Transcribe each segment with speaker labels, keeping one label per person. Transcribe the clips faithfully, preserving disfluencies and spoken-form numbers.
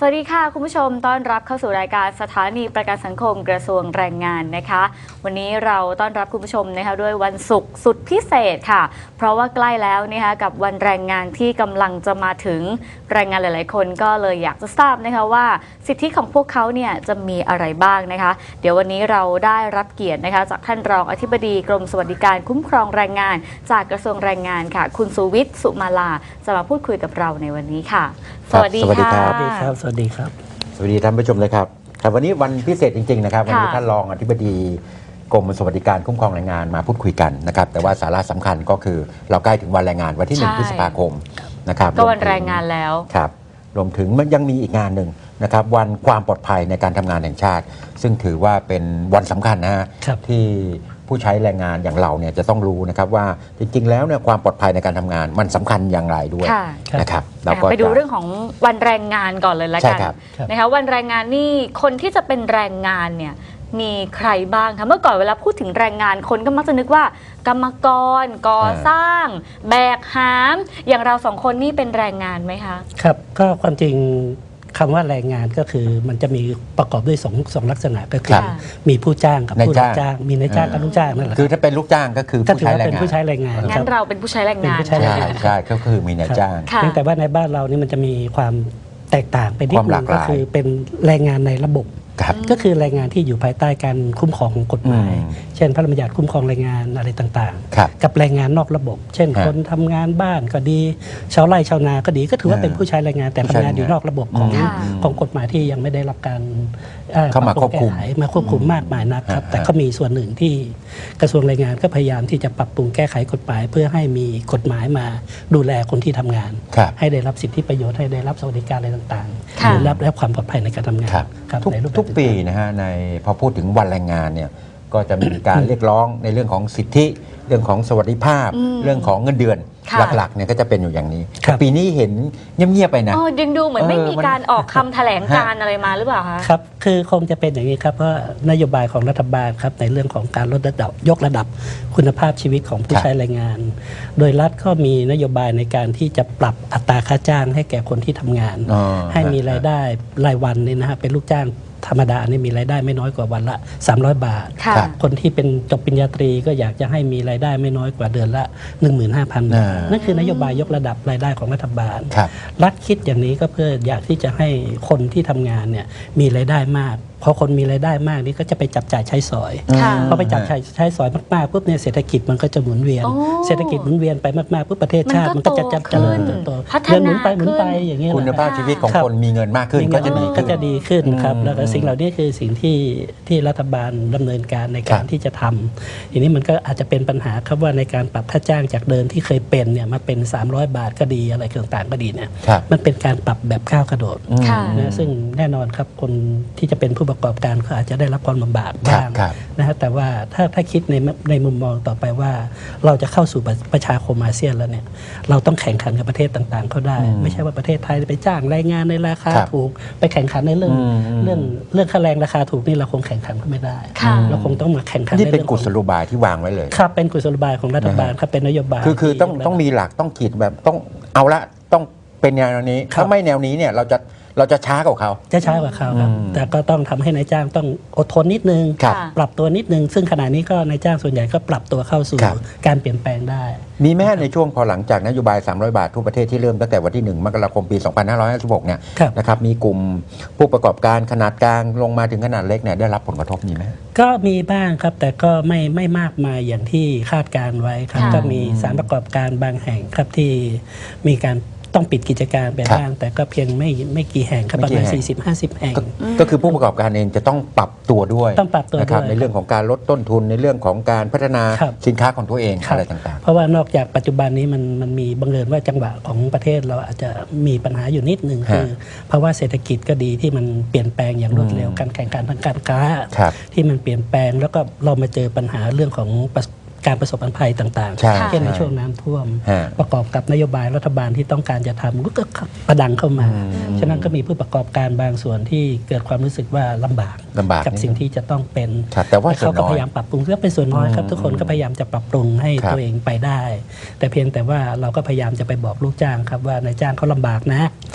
Speaker 1: สวัสดีค่ะคุณผู้ชมต้อนรับเข้าสู่รายการสถานีประกันสังคมกระทรวงแรงงานนะคะวันนี้เราต้อนรับคุณผู้ชมนะคะด้วยวันศุกร์สุดพิเศษค่ะเพราะว่าใกล้แล้วนะคะกับวันแรงงานที่กำลังจะมาถึงแรงงานหลายๆคนก็เลยอยากจะทราบนะคะว่าสิทธิของพวกเขาเนี่ยจะมีอะไรบ้างนะคะเดี๋ยววันนี้เราได้รับเกียรตินะคะจากท่านรองอธิบดีกรมสวัสดิการคุ้มครองแรงงานจากกระทรวงแรงงานค่ะคุณสุวิทย์สุมาลาจะมาพูดคุยกับเราในวันนี้ค่ะสวัสดีค่ะ
Speaker 2: สวัสดีครับสวัสดีครับ
Speaker 3: สวัสดีท่านผู้ชมเลยครับครับวันนี้วันพิเศษจริงๆนะครับวันนี้ท่านรองอธิบดีกรมสวัสดิการคุ้มครองแรงงานมาพูดคุยกันนะครับแต่ว่าสาระสำคัญก็คือเราใกล้ถึงวันแรงงานวันที่หนึ่งพฤษภาคมนะครับ
Speaker 1: ก็วันแรงงานแล้ว
Speaker 3: ครับรวมถึงมันยังมีอีกงานหนึ่งนะครับวันความปลอดภัยในการทำงานแห่งชาติซึ่งถือว่าเป็นวันสำคัญนะฮะที่ผู้ใช้แรงงานอย่างเราเนี่ยจะต้องรู้นะครับว่าจริงๆแล้วเนี่ยความปลอดภัยในการทำงานมันสำคัญอย่างไรด้วยนะครับเราก็
Speaker 1: ไปดูเรื่องของวันแรงงานก่อนเลยละกันนะคะวันแรงงานนี่คนที่จะเป็นแรงงานเนี่ยมีใครบ้างคะเมื่อก่อนเวลาพูดถึงแรงงานคนก็มักจะนึกว่ากรรมกรก่อสร้างแบกหามอย่างเราสองคนนี่เป็นแรงงานไหมคะ
Speaker 2: ครับก็ความจริงคำว่าแรงงานก็คือมันจะมีประกอบด้วยสองสองลักษณะก็คือมีผู้จ้างกับผู้รับจ้างมีนายจ้างกับลูกจ้างนั่นแหละ
Speaker 3: คือถ้าเป็นลูกจ้างก็คือผู้ใช้แรงงาน
Speaker 2: เป็นผู้ใช้แรงงาน
Speaker 1: งั้นเราเป็นผู้ใช้แรงงาน
Speaker 3: ใช่ใช่ก็คือมีนายจ้าง
Speaker 2: เพียงแต่ว่าในบ้านเรานี่มันจะมีความแตกต่างไปนิดนึงก็คือเป็นแรงงานในระบบก็คือแรงงานที่อยู่ภายใต้การคุ้มครองของกฎหมายเช่นพระราชบัญญัติคุ้มครองแรงงานอะไรต่างๆกับแรงงานนอกระบบ เช่นคนทำงานบ้านก็ดีชาวไร่ชาวนาก็ดีก็ถือว่าเป็นผู้ใช้แรงงานแต่ทำงานอยู่นอกระบบของของกฎหมายที่ยังไม่ได้รับการ
Speaker 3: เข้ามาควบคุม
Speaker 2: มาควบคุมมากมายนักครับแต่ก็มีส่วนหนึ่งที่กระทรวงแรงงานก็พยายามที่จะปรับปรุงแก้ไขกฎหมายเพื่อให้มีกฎหมายมาดูแลคนที่ทำงานให้ได้รับสิทธิประโยชน์ให้ได้รับสวัสดิการอะไรต่างๆหรือรับและความปลอดภัยในการทำงาน
Speaker 3: ทุกปีนะฮะในพอพูดถึงวันแรงงานเนี่ยก็จะมีการเรียกร้องในเรื่องของสิทธิเรื่องของสวัสดิภาพเรื่องของเงินเดือนหลักๆเนี่ยก็จะเป็นอยู่อย่างนี้ปีนี้เห็นเงียบๆไปนะ
Speaker 1: ยังดูเหมือนไม่มีการออกคำแถลงการอะไรมาหรือเปล่าคะ
Speaker 2: ครับคือคงจะเป็นอย่างนี้ครับเพราะนโยบายของรัฐบาลครับในเรื่องของการลดระดับยกระดับคุณภาพชีวิตของผู้ใช้แรงงานโดยรัฐก็มีนโยบายในการที่จะปรับอัตราค่าจ้างให้แก่คนที่ทำงานให้มีรายได้รายวันนี่นะฮะเป็นลูกจ้างธรรมดานี่มีรายได้ไม่น้อยกว่าวันละสามร้อยบาทคนที่เป็นจบปริญญาตรีก็อยากจะให้มีรายได้ไม่น้อยกว่าเดือนละ หนึ่งหมื่นห้าพัน บาทนั่นคือนโยบายยกระดับรายได้ของรัฐบาลรัฐคิดอย่างนี้ก็เพื่ออยากที่จะให้คนที่ทำงานเนี่ยมีรายได้มากพอคนมีรายได้มากนี่ก็จะไปจับจ่ายใช้สอยพอไปจับจ่ายใช้สอยมากๆปุ๊บเนี่ยเศรษฐกิจมันก็จะหมุนเวียนเศรษฐกิจหมุนเวียนไปมากๆปุ๊บประเทศชาติมันก็จะเจริญเติบโตเงินหมุนไปหมุนไปอย่างนี้
Speaker 3: คุณภาพชีวิตของคนมีเงินมากขึ้นก็จะดี
Speaker 2: ก็จะดีขึ้นครับแล้วก็สิ่งเหล่านี้คือสิ่งที่ที่รัฐบาลดำเนินการในการที่จะทำทีนี้มันก็อาจจะเป็นปัญหาครับว่าในการปรับค่าจ้างจากเดิมที่เคยเป็นเนี่ยมาเป็นสามร้อยบาทก็ดีอะไรต่างๆก็ดีเนี่ยมันเป็นการปรับแบบก้าวกระโดดนะซึ่งแน่นอนครับคนที่จะเป็นผู้ประกอบการก็อาจจะได้รับความลำบากบ้างนะฮะแต่ว่าถ้าถ้าคิดในในมุมมองต่อไปว่าเราจะเข้าสู่ประชาคมอาเซียนแล้วเนี่ยเราต้องแข่งขันกับประเทศต่างๆเขาได้ไม่ใช่ว่าประเทศไทยไปจ้างแรงงานในราคาถูกไปแข่งขันในเรื่องเรื่องเรื่องค่าแรงราคาถูกนี่เราคงแข่งขันก็ไม่ได้เราคงต้องมาแข่งขัน
Speaker 3: นี่เป็นกุศโลบายที่วางไว้เลย
Speaker 2: ครับเป็นกุศโลบายของรัฐบาลครับเป็นนโยบาย
Speaker 3: คือคือต้องต้องมีหลักต้องขีดแบบต้องเอาละต้องเป็นแนวนี้ถ้าไม่แนวนี้เนี่ยเราจะเราจะช้ากว่าเขา
Speaker 2: จะช้ากว่าเขาครับแต่ก็ต้องทำให้นายจ้างต้องอดทนนิดนึงปรับตัวนิดนึงซึ่งขณะนี้ก็นายจ้างส่วนใหญ่ก็ปรับตัวเข้าสู่การเปลี่ยนแปลงได้
Speaker 3: มีแม้ในช่วงพอหลังจากนโยบายสามร้อยบาททั่วประเทศที่เริ่มตั้งแต่วันที่หนึ่งมกราคมปีสองพันห้าร้อยห้าสิบหกเนี่ยนะครับมีกลุ่มผู้ประกอบการขนาดกลางลงมาถึงขนาดเล็กเนี่ยได้รับผลกระทบมีไหม
Speaker 2: ก็มีบ้างครับแต่ก็ไม่ไม่มากมายอย่างที่คาดการไว้ครับก็มีสถานประกอบการบางแห่งครับที่มีการต้องปิดกิจการไปบ้างแต่ก็เพียงไม่ไม่กี่แห่งครับประมาณ สี่สิบห้าสิบ แห่ง
Speaker 3: ก็คือผู้ประกอบการเองจะต้องปรับตัวด้วย
Speaker 2: ต้องปรับตัว
Speaker 3: ด้วยในเรื่องของการลดต้นทุนในเรื่องของการพัฒนาสินค้าของตัวเองอะไรต่างๆ
Speaker 2: เพราะว่านอกจากปัจจุบันนี้มันมันมีบังเอิญว่าจังหวะของประเทศเราอาจจะมีปัญหาอยู่นิดนึงคือเพราะว่าเศรษฐกิจก็ดีที่มันเปลี่ยนแปลงอย่างรวดเร็วการแข่งขันทางการค้าที่มันเปลี่ยนแปลงแล้วก็เรามาเจอปัญหาเรื่องของการประสบภัยต่างๆเช่นในช่วงน้ำท่วมประกอบกับนโยบายรัฐบาลที่ต้องการจะทำก็ประดังเข้ามาฉะนั้นก็มีผู้ประกอบการบางส่วนที่เกิดความรู้สึกว่าลำบากกับสิ่งที่จะต้องเป็น
Speaker 3: แต่ว่า
Speaker 2: เขาก็พยายามปรับปรุงก็เป็นส่วนน้อยครับทุกคนก็พยายามจะปรับปรุงให้ตัวเองไปได้แต่เพียงแต่ว่าเราก็พยายามจะไปบอกลูกจ้างครับว่านายจ้างเขาลำบากนะ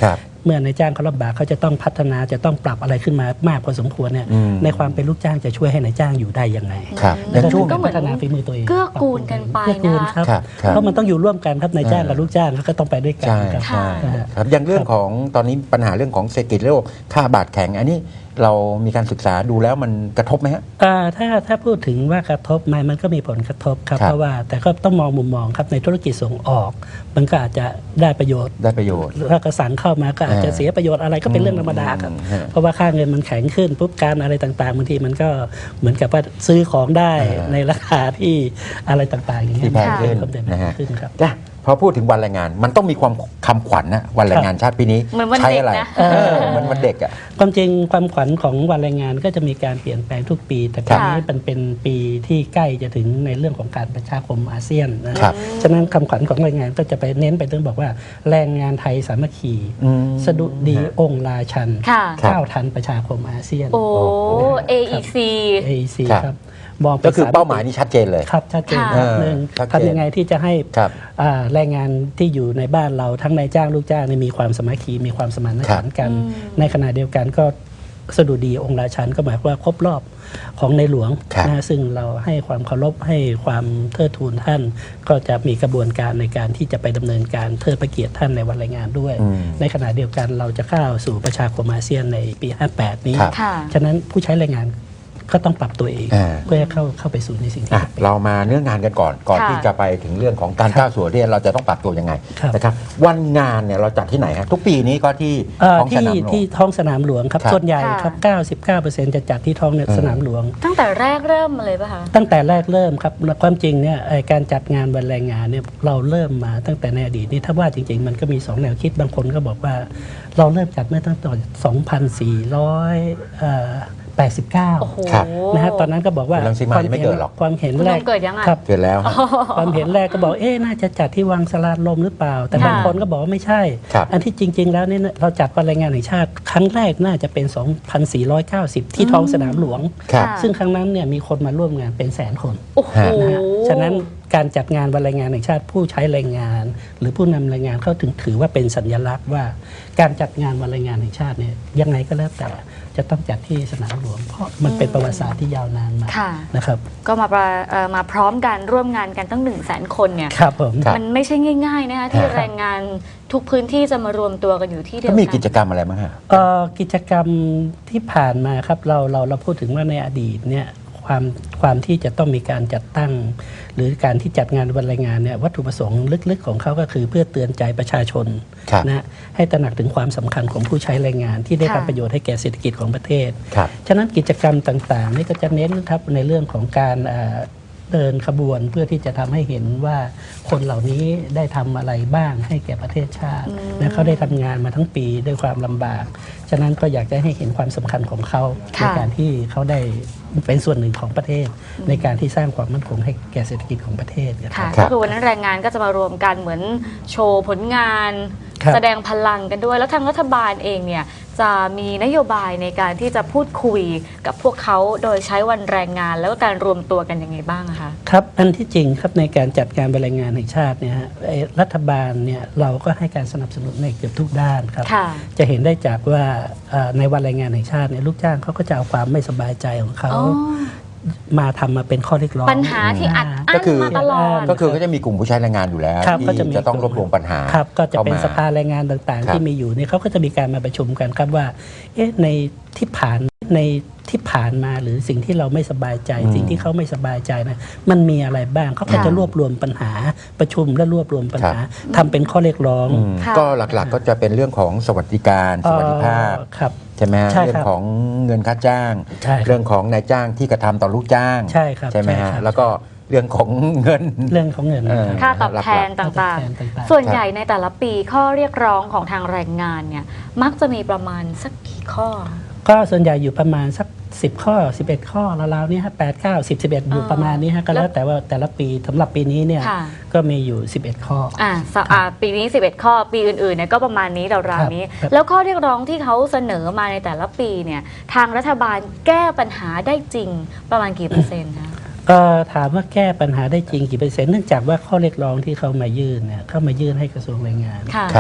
Speaker 2: เมื่อนายจ้างเขาลำบากเขาจะต้องพัฒนาจะต้องปรับอะไรขึ้นมามากพอสมควรเนี่ย
Speaker 3: อืม
Speaker 2: ในความเป็นลูกจ้างจะช่วยให้นายจ้างอยู่ได้ยังไง
Speaker 3: ครับ
Speaker 1: อืม
Speaker 3: อย่างช่วง
Speaker 1: ก็เหมื
Speaker 2: พั
Speaker 1: อน
Speaker 2: ฒนาฝีมือตัวเอง
Speaker 1: เกื้อกูลกันไป
Speaker 2: เกื้อกูล
Speaker 1: นะครับ
Speaker 2: ครับ
Speaker 3: ครับ
Speaker 2: เพราะมันต้องอยู่ร่วมกันครับนายจ้างกับลูกจ้างเขาก็ต้องไปด้วยกัน
Speaker 3: ใช่
Speaker 2: ครับ
Speaker 3: ใช่
Speaker 1: ค่ะ
Speaker 3: ครับอย่างเรื่องของตอนนี้ปัญหาเรื่องของเศรษฐกิจโลกค่าบาทแข็งอันนี้เรามีการศึกษาดูแล้วมันกระทบไหมฮะ
Speaker 2: อ่าถ้าถ้าพูดถึงว่ากระทบไหมมันก็มีผลกระทบครับ
Speaker 3: ครับ
Speaker 2: เพราะว่าแต่ก็ต้องมองมุมมองครับในธุรกิจส่งออก มันก็อาจจะได้ประโยชน์
Speaker 3: ได้ประโยชน์
Speaker 2: ถ้ากระสังเข้ามาก็อาจจะ
Speaker 3: อ่า
Speaker 2: เสียประโยชน์อะไรก็เป็นเรื่องธรรมดาครับ
Speaker 3: อืมฮะ
Speaker 2: เพราะว่าค่าเงินมันแข็งขึ้นปุ๊บการอะไรต่างๆบางทีมันก็เหมือนกับว่าซื้อของได้
Speaker 3: อ่า
Speaker 2: ในราคาที่อะไรต่างๆอย่างเงี้ย
Speaker 3: ที่แพงขึ้น
Speaker 2: ความเด่น
Speaker 3: นะฮะ
Speaker 2: ขึ้นครับ
Speaker 3: จ้ะพอพูดถึงวันแรงงานมันต้องมีความคำขวัญนะวันแรงงานชาติปีนี้
Speaker 1: เหมือนวัน
Speaker 3: ใช้
Speaker 1: เด็ก
Speaker 3: อะไร
Speaker 1: นะ
Speaker 3: เออเหมือนวันเด็กอ่ะ
Speaker 2: ความจริงความขวัญของวันแรงงานก็จะมีการเปลี่ยนแปลงทุกปี แต่ปีนี้มันเป็นปีที่ใกล้จะถึงในเรื่องของการประชาคมอาเซียนนะครับ ฉะนั้นคำขวัญของแรงงานก็จะไปเน้นไปเรื่องบอกว่าแรงงานไทยสามัคคี
Speaker 3: อืม
Speaker 2: สดุดีองค์ราชัน
Speaker 1: ค่ะ
Speaker 3: ครับ
Speaker 2: ก้าวทันประชาคมอาเซียน
Speaker 1: โอ้ เอ อี ซี
Speaker 2: เอ ซี
Speaker 3: ครับ
Speaker 2: ครับมองป็น
Speaker 3: ก็คือ
Speaker 2: ส
Speaker 3: เป้าหมายนี้ชัดเจนเลย
Speaker 2: ครับชัดเจน
Speaker 1: ค่ะ
Speaker 2: ครับหนึ่ง
Speaker 3: ชัดเจน
Speaker 2: ทำยังไงที่จะให้
Speaker 3: ครับ
Speaker 2: อ่าแรงงานที่อยู่ในบ้านเราทั้งนายจ้างลูกจ้างเนี่ยมีความสามัคคีมีความสมานฉันท์กัน
Speaker 1: อืม
Speaker 2: ในขณะเดียวกันก็สดุดีองค์ราชันก็หมายความว่าครบรอบของในหลวง
Speaker 3: ครับ
Speaker 2: นะซึ่งเราให้ความเคารพให้ความเทิดทูนท่าน ก็จะมีกระบวนการในการที่จะไปดำเนินการเทิดพระเกียรติท่านในวันแรงงานด้วย
Speaker 3: อืม
Speaker 2: ในขณะเดียวกันเราจะเข้าสู่ประชาคมอาเซียนในปี ห้าแปด นี้
Speaker 3: ครับ
Speaker 1: ค่ะ
Speaker 2: ฉะนั้นผู้ใช้แรงงานก็ต้องปรับตัวเอง
Speaker 3: อ่า
Speaker 2: เพื่อให้เข้าเข้าไปสู่ในสิ่งที่
Speaker 3: อ่ะเรามาเนื้องานกันก่อนก่อน
Speaker 1: ค่ะ
Speaker 3: ที่จะไปถึงเรื่องของการก้าวสู่ประเทศเราจะต้องปรับตัวยังไง
Speaker 2: ครับ
Speaker 3: นะครับวันงานเนี่ยเราจัดที่ไหนฮะทุกปีนี้ก็ที่
Speaker 2: เอ่อ
Speaker 3: ท้องส
Speaker 2: ที่
Speaker 3: นามหลวง
Speaker 2: ที่ท้องสนามหลวงครับ
Speaker 3: ครับ
Speaker 2: ส่วนใหญ่
Speaker 1: ค่ะ
Speaker 2: ครับ เก้าสิบเก้าเปอร์เซ็นต์ จะจัดที่ท้องสนามหลวง
Speaker 1: ตั้งแต่แรกเริ่มมาเลยป่ะคะ
Speaker 2: ตั้งแต่แรกเริ่มครับความจริงเนี่ยไอ้การจัดงานวันแรงงานเนี่ยเราเริ่มมาตั้งแต่ในอดีตนี่ถ้าว่าจริง ๆ มันก็มีสองแนวคิดบางคนก็บอกว่า เราเริ่มจัดเมื่อตั้งแต่สองพันสี่ร้อยแปดสิบเก้า
Speaker 1: โอ้โห
Speaker 3: ครับ
Speaker 2: นะฮะตอนนั้นก็บอกว่า
Speaker 3: คุณรังสิมายังไม่เกิดหรอก
Speaker 2: ความเห็น
Speaker 1: คุณ
Speaker 2: แร
Speaker 1: น้
Speaker 2: ก
Speaker 1: องเกิดยังอ่ะ
Speaker 2: ครับ
Speaker 3: เกิดแล้วฮะ
Speaker 2: ความเห็นแรกก็บอกเอ๊ะน่าจะจัดที่วังสลาลมหรือเปล่า แต่
Speaker 1: ค่ะ
Speaker 2: บางคนก็บอกว่าไม่ใช่
Speaker 3: ครับ
Speaker 2: อันที่จริง ๆ แล้วเนี่ยเราจัดวันแรงงานแห่งชาติ ครั้งแรกน่าจะเป็น สองพันสี่ร้อยเก้าสิบ ที่ท้องสนามหลวง
Speaker 3: ครับ
Speaker 1: ค่ะ
Speaker 2: ซึ่งครั้งนั้นเนี่ยมีคนมาร่วมงานเป็นแสนคน
Speaker 1: โอ้โห
Speaker 2: นะฮะฉะนั้นการจัดงานวันแรงงานแห่งชาติผู้ใช้แรงงาน หรือผู้นำแรงงานเขาถึงถือว่าเป็นสัญลักษณ์ว่า การจัดงานวันแรงงานแห่งชาติเนี่ยยังไงก็แล้วแต่จะต้องจัดที่สนามหลวงเพราะมันเป็นประวัติศาสตร์ที่ยาวนานมา
Speaker 1: ค่ะ
Speaker 2: นะครับ
Speaker 1: ก็มาประเอ่อมาพร้อมกันร่วมงานกันตั้งหนึ่งแสนคนเนี่ย
Speaker 2: ครับผม
Speaker 3: ครับ
Speaker 1: มันไม่ใช่ง่าย ๆ นะคะที่แรงงานทุกพื้นที่จะมารวมตัวกันอยู่ที่เดียว
Speaker 3: แล้ว
Speaker 1: กั
Speaker 3: มีกิจกรรมอะไรบ้างฮะ
Speaker 2: เอ่อกิจกรรมที่ผ่านมาครับเราเราเราพูดถึงว่าในอดีตเนี่ยความความที่จะต้องมีการจัดตั้ง หรือการที่จัดงานวันแรงงานเนี่ยวัตถุประสงค์ลึกๆของเขาก็คือเพื่อเตือนใจประชาชน
Speaker 3: ครับ
Speaker 2: นะให้ตระหนักถึงความสำคัญของผู้ใช้แรงงาน ที่ได้
Speaker 1: ค่ะ
Speaker 2: ทำประโยชน์ให้แก่เศรษฐกิจของประเทศ
Speaker 3: ครับ
Speaker 2: ฉะนั้นกิจกรรมต่างๆนี่ก็จะเน้นครับในเรื่องของการเอ่อเดินขบวนเพื่อที่จะทำให้เห็นว่าคนเหล่านี้ได้ทำอะไรบ้างให้แก่ประเทศชาติ
Speaker 1: อืม
Speaker 2: และเขาได้ทำงานมาทั้งปีด้วยความลำบาก ฉะนั้นก็อยากจะให้เห็นความสำคัญของเขาใน
Speaker 1: ค่ะ
Speaker 2: การที่เขาได้เป็นส่วนหนึ่งของประเทศ ในการที่สร้างความมั่นคงให้แก่เศรษฐกิจของประเทศนะค
Speaker 1: ค่ะ
Speaker 2: รับ
Speaker 3: ครั
Speaker 1: ก็
Speaker 3: บ
Speaker 1: คือวันนั้นแรงงานก็จะมารวมกันเหมือนโชว์ผลงาน
Speaker 2: ครับ
Speaker 1: แสดงพลังกันด้วย แล้วทางรัฐบาลเองเนี่ยจะมีนโยบายในการที่จะพูดคุยกับพวกเขาโดยใช้วันแรงงาน แล้วก็การรวมตัวกันยังไงบ้างอะคะ
Speaker 2: ครับอันที่จริงครับในการจัดการบรรยายงานแห่งชาติเนี่ยฮะไอ้รัฐบาลเนี่ยเราก็ให้การสนับสนุนในเกือบทุกด้านครับ
Speaker 1: ค่ะ
Speaker 2: จะเห็นได้จากว่าเอ่อในวันแรงงานแห่งชาติเนี่ยลูกจ้างเขาก็จะเอาความไม่สบายใจของเขา
Speaker 1: อ๋อ
Speaker 2: มาทำมาเป็นข้อเรียกร้อง
Speaker 1: ปัญหาที่อัดอั้
Speaker 3: ก็
Speaker 1: น
Speaker 3: คือ
Speaker 1: มาตลอด
Speaker 3: ก็คือก็จะมีกลุ่มผู้ใช้แรงงานอยู่แล้ว
Speaker 2: ครับก็จะมี
Speaker 3: ที่จะต้องรวบรวมปัญหา
Speaker 2: ครับก็จะเป็น
Speaker 3: ข้ม
Speaker 2: สภาแรงงานต่าง
Speaker 3: ครับ
Speaker 2: ๆ ที่มีอยู่เนี่ยเขาก็จะมีการมาประชุมกันครับว่าเอ๊ะในที่ผ่านในที่ผ่านมาหรือสิ่งที่เราไม่สบายใจ
Speaker 3: อืม
Speaker 2: สิ่งที่เขาไม่สบายใจนะมันมีอะไรบ้างเขาก็
Speaker 1: ค่ะ
Speaker 2: จะรวบรวมปัญหาประชุมและรวบรวมปัญหา
Speaker 3: ครับ
Speaker 2: ทำเป็นข้อเรียกร้อง
Speaker 3: อืม
Speaker 1: ค่ะ
Speaker 3: ก็หลักๆก็จะเป็นเรื่องของสวัสดิการสวัสดิภาพ
Speaker 2: เอ่อครับ
Speaker 3: ใช่ไหมฮะ
Speaker 2: ใช่ครับ
Speaker 3: เรื่องของเงินค่าจ้าง
Speaker 2: ใช่ครับ
Speaker 3: เรื่องของนายจ้างที่กระทำต่อลูกจ้าง
Speaker 2: ใช่ครับ
Speaker 3: ใช่ไหม
Speaker 2: ใช่
Speaker 3: ฮะ
Speaker 2: ครับ
Speaker 3: แล้วก็เรื่องของเงิน
Speaker 2: เรื่องของเงิน
Speaker 3: เออ
Speaker 1: ค่าตอบแทน
Speaker 2: ค่าตอบ
Speaker 1: ต่าง
Speaker 2: แทนต่าง
Speaker 1: ๆ
Speaker 2: ๆ
Speaker 1: ส่วนใหญ่ในแต่ละปีข้อเรียกร้องของทางแรงงานเนี่ยมักจะมีประมาณสักกี่ข้อ
Speaker 2: ก็ส่วนใหญ่อยู่ประมาณสักสิบข้อสิบเอ็ดข้อราวๆนี้ฮะแปด เก้า สิบ สิบเอ็ดอยู่
Speaker 1: อ่า
Speaker 2: ประมาณนี้ฮะก็แล้วแต่ว่าแต่ละปีสำหรับปีนี้เนี่ย
Speaker 1: ค่ะ
Speaker 2: ก็มีอยู่สิบเอ็ดข้อ
Speaker 1: อ่าสะอ่าปีนี้สิบเอ็ดข้อปีอื่นๆเนี่ยก็ประมาณนี้ราวๆนี้
Speaker 2: ครับ
Speaker 1: แล้วข้อเรียกร้องที่เขาเสนอมาในแต่ละปีเนี่ยทางรัฐบาลแก้ปัญหาได้จริงประมาณกี่เปอร์เซ็นต์คะ
Speaker 2: เอ่อถามว่าแก้ปัญหาได้จริงกี่เปอร์เซ็นต์เนื่องจากว่าข้อเรียกร้องที่เขามายื่นเนี่ยเข้ามายื่นให้กระทรวงแรงงาน
Speaker 1: ค่ะ
Speaker 3: ครับ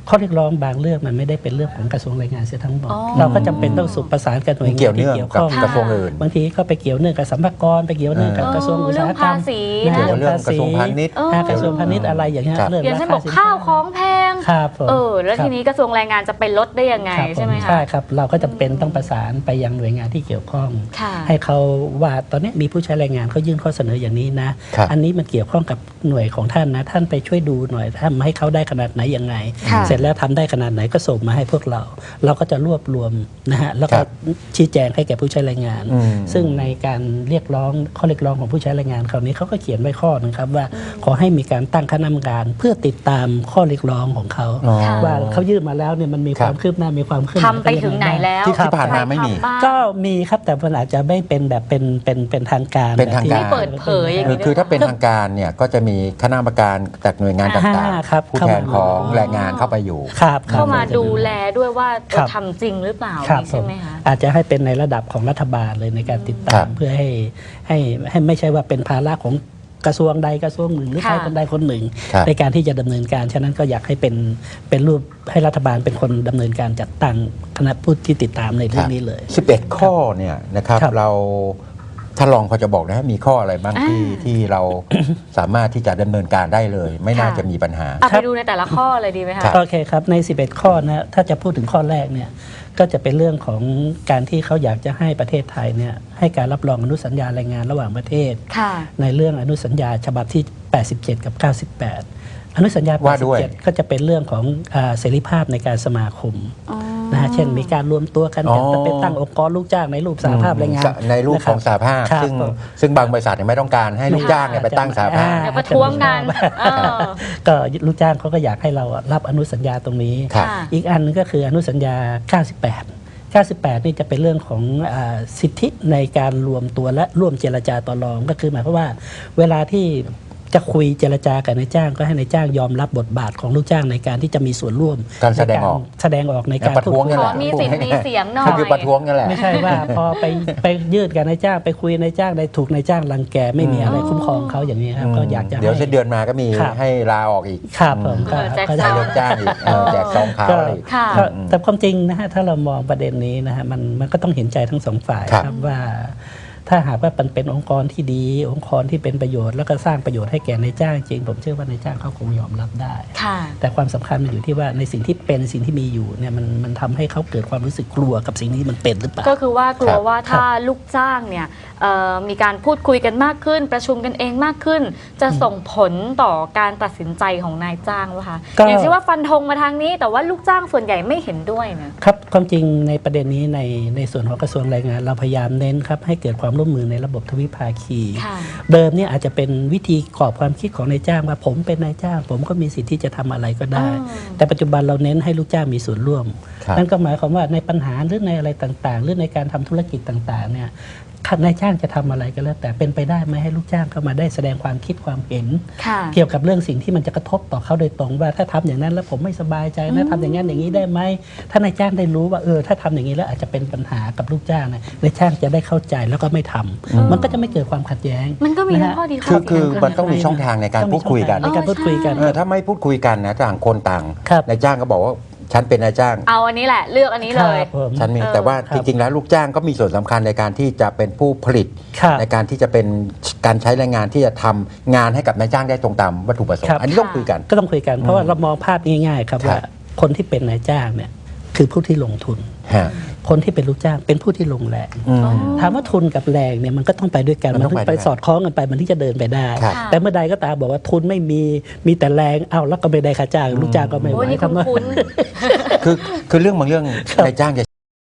Speaker 2: ข้อเรียกร้องบางเรื่องมันไม่ได้เป็นเรื่องของกระทรวงแรงงานเสียทั้งหมด
Speaker 1: อ๋อ
Speaker 2: เราก็จำเป็นต้องสุประสานกับหน่วย
Speaker 3: เกี่
Speaker 2: งา
Speaker 3: ยวน
Speaker 2: ที่
Speaker 3: เนื่อง
Speaker 2: เกี่ยว
Speaker 3: กับ
Speaker 2: ข้อง
Speaker 3: กระทรวงอื่น
Speaker 2: บางทีก็ไปเกี่ยวเนื่องกับสัมภากระไปเกี่ยวเนื่องกับ
Speaker 3: เออ
Speaker 2: กระทรวงอุตสาหกรรม
Speaker 1: เรื่องภาษี
Speaker 2: นะ
Speaker 3: เกี่ยวกับเรื่องกระทรวงพาณิชย์
Speaker 1: เออ
Speaker 2: อ่ากระทรวงพาณิชย์อะไรอย่างเงี้ย
Speaker 3: ครับ
Speaker 2: เรื่อง
Speaker 1: อย่างเช่นบอก
Speaker 2: สิน
Speaker 1: ข้าวของแพง
Speaker 2: ครับผม
Speaker 1: เออแล้ว
Speaker 2: ครับ
Speaker 1: ทีนี้กระทรวงแรงงานจะไปลดได้ยังไง
Speaker 2: ครับผ
Speaker 1: ใช่ไหมคะ
Speaker 2: ใช่ครับเราก็จำเป็นต้องประสานไปยังหน่วยงานที่เกี่ยวข้อง
Speaker 1: ค่ะ
Speaker 2: ให้เขาว่าตอนนี้มีผู้ใช้แรงงานเขายื่นข้อเสนออย่างนี้นะ
Speaker 3: ครับ
Speaker 2: อันนี้มันเกี่ยวข้องกับหน่วยของท่านนะ ท่านไปช่วยดูหน่อยทำให้เขาได้ขนาดไหนยังไง
Speaker 1: ค่ะ
Speaker 2: เสร็จแล้วทำได้ขนาดไหนก็ส่งมาให้พวกเรา เราก็จะรวบรวมนะฮะแล้วก็
Speaker 3: ครับ
Speaker 2: ชี้แจงให้แก่ผู้ใช้แรงงาน
Speaker 3: อืม
Speaker 2: ซึ่งในการเรียกร้องข้อเรียกร้องของผู้ใช้แรงงานคราวนี้เขาก็เขียนไว้ข้อหนึงครับว่าขอให้มีการตั้งคณะกรรมการเพื่อติดตามข้อเรียกร้องของเขา
Speaker 3: อ๋อ
Speaker 1: ค่ะ
Speaker 2: ว่าเขายื่นมาแล้วเนี่ยมันมี
Speaker 3: ครั
Speaker 2: ค
Speaker 3: บ
Speaker 2: วามคืบหน้ามีความขึ้น
Speaker 1: ทำไปถึงไหนแล้ว
Speaker 3: ที่ที่ผ่านมาไม่มี
Speaker 1: ใครทำบ้าง
Speaker 2: ก็มีครับแต่มันอาจจะไม่เป็นแบบเป็นเป็นเป็นทางการ
Speaker 3: เป็นทางการ
Speaker 2: แบบที่
Speaker 1: ไม่เปิดเผยอย่างนี้
Speaker 3: คือคือถ้าเป็นทางการเนี่ยก็จะมีคณะกรรมการจากหน่วยงานต่าง
Speaker 2: อ่าครับ
Speaker 3: ๆ ผู้แทนของแรงงานเข้าไปอยู่
Speaker 2: ครับครับ
Speaker 1: เข้ามาดูแลด้วยว่า
Speaker 2: ครับ
Speaker 1: ทำจริงหรือเปล่า
Speaker 2: ครับ
Speaker 1: ใช่ไหมคะ
Speaker 2: อาจจะให้เป็นในระดับของรัฐบาลเลยในการติดตา
Speaker 3: ครั
Speaker 2: ม
Speaker 3: บ
Speaker 2: เพื่อให้ให้ให้ไม่ใช่ว่าเป็นภาระของกระทรวงใดกระทรวงหนึ่งหรือใคร
Speaker 1: ค่ะ
Speaker 2: คนใดคนหนึ่ง
Speaker 3: ครับ
Speaker 2: ในการที่จะดำเนินการฉะนั้นก็อยากให้เป็นเป็นรูปให้รัฐบาลเป็นคนดำเนินการจัดตั้งคณะผู้ที่ติดตามในเรื่องนี้เลย
Speaker 3: สิบเอ็ดข้อเนี่ยนะครับ
Speaker 2: ครับ
Speaker 3: เราท่านรองพอจะบอกนะมีข้ออะไรบ้างที่
Speaker 1: อ่า
Speaker 3: ที่เรา สามารถที่จะดำเนินการได้เลย ไม่น่า
Speaker 1: ค่ะ
Speaker 3: จะมีปัญหา
Speaker 1: เอา
Speaker 2: ครั
Speaker 1: ไป
Speaker 2: บ
Speaker 1: ดูในแต่ละข้อเลยดีไหมคะ
Speaker 3: ครับ
Speaker 2: โอเคครับในสิบเอ็ดข้อนะถ้าจะพูดถึงข้อแรกเนี่ยก็จะเป็นเรื่องของการที่เขาอยากจะให้ประเทศไทยเนี่ยให้การรับรองอนุสัญญาแรงงานระหว่างประเทศ
Speaker 1: ค่ะ
Speaker 2: ในเรื่องอนุสัญญาฉบับที่ แปดสิบเจ็ด กับ เก้าสิบแปด อนุสัญญา
Speaker 3: ว่าด้วย
Speaker 2: แปดสิบเจ็ด ก็จะเป็นเรื่องของอ่าเสรีภาพในการสมาคม
Speaker 1: อ๋อ
Speaker 2: นะฮะเช่นมีการรวมตัวกัน
Speaker 3: อ๋อ
Speaker 2: จะเป็นตั้งองค์กรลูกจ้างในรูปสหภาพแรงงาน
Speaker 3: ในรูปของสหภาพ
Speaker 2: ครับ
Speaker 3: ซึ่ง
Speaker 2: ผม
Speaker 3: ซึ่งบางบริษัทเนี่ยไม่ต้องการให้ลูกจ้างเนี่ยไปตั้งสหภาพ
Speaker 1: เดี๋ยวประท้วงกันเออ
Speaker 2: ก็ลูกจ้างเขาก็อยากให้เรารับอนุสัญญาตรงนี้
Speaker 3: ครับ
Speaker 1: ค่ะ
Speaker 2: อีกอันนึงก็คืออนุสัญญา เก้าสิบแปด เก้าสิบแปด นี่จะเป็นเรื่องของอาสิทธิในการรวมตัวและร่วมเจรจาต่อรองก็คือหมายความว่าเวลาที่จะคุยเจรจากับนายจ้างก็ให้นายจ้างยอมรับบทบาทของลูกจ้างในการที่จะมีส่วนร่วม
Speaker 3: การแสดงออก
Speaker 2: ในารแสดงออกในการ
Speaker 3: ประท้วง
Speaker 2: พูดคุย
Speaker 3: นั่นแหละ
Speaker 1: ขอมีสิทธิ์มีเสียงหน่อย
Speaker 3: ก็คือประท้วงนั่นแหละ
Speaker 2: ไม่ใช่ว่าพอไปไปยืดกับนายจ้างไปคุยนายจ้างได้ถูกนายจ้างรังแกไม่มีอะไรคุ้มครองเขาอย่างนี้ครับก็อยากจะ
Speaker 3: เดี๋ยว
Speaker 2: ให้
Speaker 3: สิ้นเดือนมาก็มี
Speaker 2: ครับ
Speaker 3: ให้ลาออกอีก
Speaker 2: ครับผม
Speaker 1: เออแจก
Speaker 2: ก็
Speaker 1: ซ
Speaker 3: ให้
Speaker 1: อง
Speaker 3: เลิกจ้างอีกเออแจกซองขาว
Speaker 2: ก็
Speaker 3: อะไรอีก
Speaker 1: ค่ะ
Speaker 2: ก็แต่ความจริงนะฮะถ้าเรามองประเด็นนี้นะฮะมันมันก็ต้องเห็นใจทั้งสองฝ่าย
Speaker 3: ครับ
Speaker 2: ครับว่าถ้าหากว่ามันเป็นองค์กรที่ดี องค์กรที่เป็นประโยชน์แล้วก็สร้างประโยชน์ให้แก่นายจ้างจริงผมเชื่อว่านายจ้างเขาคงยอมรับได้
Speaker 1: ค่ะ
Speaker 2: แต่ความสำคัญมันอยู่ที่ว่าในสิ่งที่เป็นสิ่งที่มีอยู่เนี่ยมันมันทำให้เขาเกิดความรู้สึกกลัวกับสิ่งที่มันเป็นหรือเปล่า
Speaker 1: ก็คือว่ากลั
Speaker 3: คว รับ
Speaker 1: ว่าถ้าลูกจ้างเนี่ยเอ่อมีการพูดคุยกันมากขึ้น ประชุมกันเองมากขึ้น จะส่งผลต่อการตัดสินใจของนายจ้างวะคะ
Speaker 2: ก็
Speaker 1: อย่างเช่นว่าฟันธงมาทางนี้ แต่ว่าลูกจ้างส่วนใหญ่ไม่เห็นด้วยเนี่ย
Speaker 2: ครับความจริงในประเด็นนี้ในในส่วนของกระทรวงแรงงาน เราพยายามเน้นครับให้เกิดความร่วมมือในระบบทวิภาคี
Speaker 1: ค่ะ
Speaker 2: เดิมเนี่ยอาจจะเป็นวิธีกรอบความคิดของนายจ้างว่าผมเป็นนายจ้าง ผมก็มีสิทธิ์ที่จะทำอะไรก็ได้
Speaker 1: อ๋อ
Speaker 2: แต่ปัจจุบันเราเน้นให้ลูกจ้างมีส่วนร่วม
Speaker 3: ครับ
Speaker 2: นั่นก็หมายความว่าในปัญหาหรือในอะไรต่างๆ หรือในการทำธุรกิจต่างๆเนี่ยนายจ้างจะทำอะไรก็แล้ว แต่เป็นไปได้ไหมให้ลูกจ้างเข้ามาได้แสดงความคิดความเห็น
Speaker 1: ค่ะ
Speaker 2: เกี่ยวกับเรื่องสิ่งที่มันจะกระทบต่อเขาโดยตรงว่าถ้าทำอย่างนั้นแล้วผมไม่สบายใจนะทำอย่างนั้นอย่างนี้ได้ไหมถ้านายจ้างได้รู้ว่าเออถ้าทำอย่างนี้แล้วอาจจะเป็นปัญหากับลูกจ้างนะนายจ้างจะได้เข้าใจแล้วก็ไม่ทำ
Speaker 3: อืม
Speaker 2: มันก็จะไม่เกิดความขัดแย้ง
Speaker 1: มันก็มี
Speaker 2: นะ
Speaker 1: ทั้
Speaker 2: ฮะ
Speaker 1: งข้อดีข้
Speaker 3: คือ
Speaker 1: อเสีย
Speaker 3: คือ
Speaker 1: นะ
Speaker 3: มันต้องมีช่องทางในการ
Speaker 2: ต้อง
Speaker 3: พู
Speaker 2: มี
Speaker 3: ดคุยกัน
Speaker 2: ช่องทางในการพูดคุยกัน
Speaker 3: เออถ้าไม่พูดคุยกันนะต่างคนต่าง
Speaker 2: ครับ
Speaker 3: นายจ้างก็บอกว่าฉันเป็นนายจ้าง
Speaker 1: เอาอันนี้แหละเลือกอันนี้เลย
Speaker 2: ครับผม
Speaker 3: ฉันมี
Speaker 1: เออ
Speaker 3: แต่ว่า
Speaker 2: ครั
Speaker 3: จ
Speaker 2: บ
Speaker 3: ริง ๆ แล้วลูกจ้างก็มีส่วนสำคัญในการที่จะเป็นผู้ผลิต
Speaker 2: ครับ
Speaker 3: ในการที่จะเป็นการใช้แรงงานที่จะทำงานให้กับนายจ้างได้ตรงตามวัตถุประสง
Speaker 2: ครั
Speaker 3: ค์
Speaker 2: บ
Speaker 3: อันนี้ต้องคุยกัน
Speaker 2: ก็ต้องคุยกัน เพราะว่าเรามองภาพง่ายๆครับ
Speaker 3: ครับ
Speaker 2: ว่าคนที่เป็นนายจ้างเนี่ยคือผู้ที่ลงทุน
Speaker 3: ฮะ
Speaker 2: คนที่เป็นลูกจ้างเป็นผู้ที่ลงแรง
Speaker 3: อืม
Speaker 1: อ๋อ
Speaker 2: ถามว่าทุนกับแรงเนี่ยมันก็ต้องไปด้วยกัน
Speaker 3: มัน
Speaker 2: มัน
Speaker 3: ต้อง
Speaker 2: ถึง
Speaker 3: ไป
Speaker 2: ไป
Speaker 3: ด้วยกัน
Speaker 2: สอดคล้องกันไปมันที่จะเดินไปได้
Speaker 3: ครับ
Speaker 2: แต่เมื่อใดก็ตามบอกว่าทุนไม่มีมีแต่แรงเอาแล้วก็ไม่ได้ค่าจ้างลูกจ้างก็ไม่ไหว
Speaker 1: โอ้ยนี่
Speaker 2: ทำไม
Speaker 1: คุ้น
Speaker 3: คือคือเรื่องบางเรื่อง
Speaker 2: ครับ
Speaker 3: นายจ้างจะ